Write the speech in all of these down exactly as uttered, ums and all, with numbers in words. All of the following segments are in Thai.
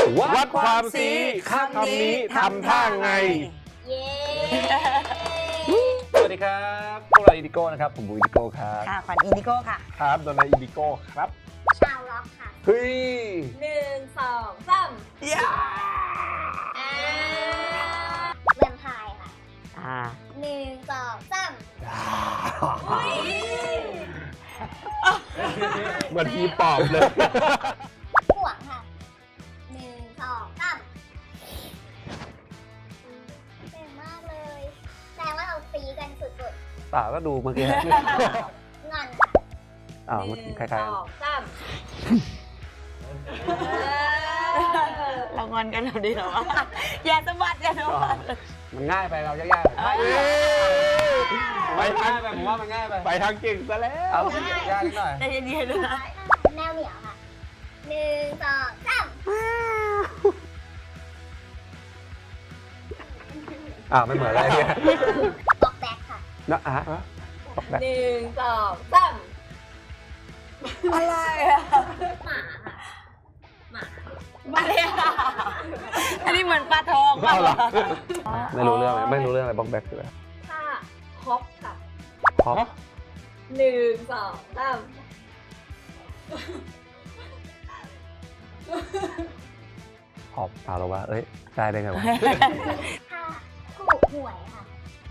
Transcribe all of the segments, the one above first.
วัดความสีคำนี้ทำท่าไงเย้สวัสดีครับพวกเราอินดิโก้นะครับผมบูอินดิโก้ครับค่ะขวัญอินดิโก้ค่ะครับโดนัทอินดิโก้ครับชาวล็อกค่ะเฮ้ยหนึ่งสองสามย่าอ่าแวมไพร์ค่ะอ่าหนึ่งสองสามเหมือนทีปอบเลยห่วงค่ะหนึ่งสองสามเก่งมากเลยแสดงว่าเราตีกันสุดป่าก็ดูเมื่อกี้ๆงอนค่ะอ้าวหนึ่งคล้ายสองสามเรางอนกันเราดีเหรอวะอย่าสะบัดอย่าสะบัดๆมันง่ายไปเรายากๆไปทางไปผมว่ามันง่ายไปไปทางเก่งซะแล้วเอายากนิดหน่อยใจเย็นๆนะแมวเหมียวค่ะหนึ่งสองสามอ้าวไม่เหมือนอะไรเนี่ยบล็อกแบ็คค่ะนะอ่ะบอกได้หนึ่งสองสามอะไรอะหมาค่ะหมามาเลยอะอันนี้เหมือนปลาทองป่ะเอาเหรอไม่รู้เรื่องเลยไม่รู้เรื่องอะไรบล็อกแบ็คคืออะไรถ้าฮอปค่ะฮอปหนึ่งสองสามฮอปเอาหรอวะเอ้ยได้ได้ไงวะถ้าถูกหวยค่ะ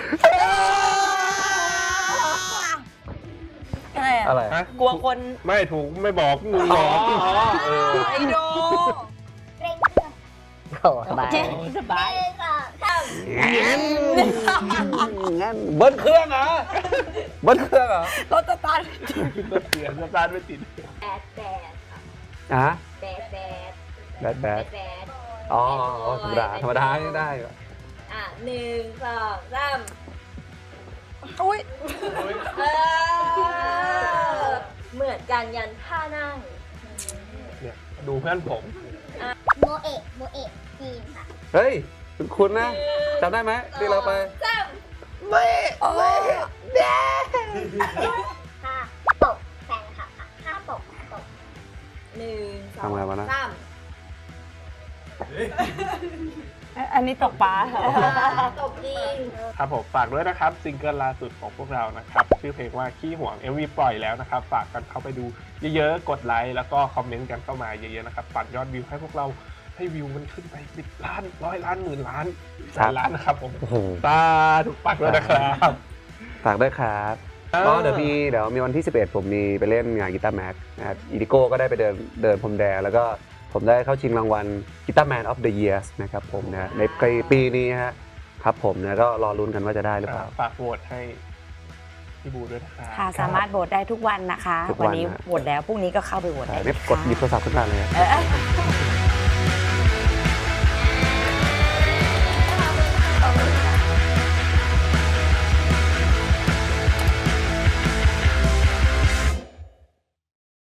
อะไรอะอะไรกลัวคนไม่ถูกไม่บอกงูหลอกเออไอโดเร่งเครื่องสบายสบายหนึ่งสองสามงั้นงั้นเบิ้ลเครื่องเหรอเบิ้ลเครื่องเหรอรถสตาร์ทเสียงสตาร์ทไม่ติดแบดแบดค่ะอ่ะแบดแบดแบดแบดแบดอ๋อธรรมดาธรรมดาไม่ได้อ่ะหนึ่งสองสามอุ้ยเออเหมือนกันยันท่านั่งเนี่ยดูเพื่อนผมโมเอะโมเอะจีนค่ะเฮ้ยคุณคุณนะจำได้ไหมที่เราไปสามไม่ไม่ค่ะตบแฟนค่ะค่ะท่าตบตบหนึ่งสองสามอันนี้ตกปลาตบจริงครับผมฝากด้วยนะครับซิงเกิลล่าสุดของพวกเรานะครับชื่อเพลงว่าขี้ห่วง เอ็ม วี ปล่อยแล้วนะครับฝากกันเข้าไปดูเยอะๆกดไลค์แล้วก็คอมเมนต์กันเข้ามาเยอะๆนะครับปั่นยอดวิวให้พวกเราให้วิวมันขึ้นไปสิบล้านร้อยล้านหมื่นล้านแสนล้านนะครับผมโอ้โหตาถูกปักด้วยนะครับฝากด้วยครับก็เดี๋ยวมีเดี๋ยวมีวันที่สิบเอ็ดผมมีไปเล่นงานกีตาร์แม็กนะครับอีดิโก้ก็ได้ไปเดินเดินพรมแดงแล้วก็ผมได้เข้าชิงรางวัลกีตาร์แมนออฟเดอะเยียร์นะครับผมนะในปีนี้ฮะครับผมนะก็รอลุ้นกันว่าจะได้หรือเปล่าฝากโหวตให้พี่บูด้วยนะครับค่ะสามารถโหวตได้ทุกวันนะคะทุกวัวัน นนี้นะโหวตแล้วพรุ่งนี้ก็เข้าไปโหวตได้ใช่ไม่กดหยิบโทรศัพท์ขึ้นมาเลยเออ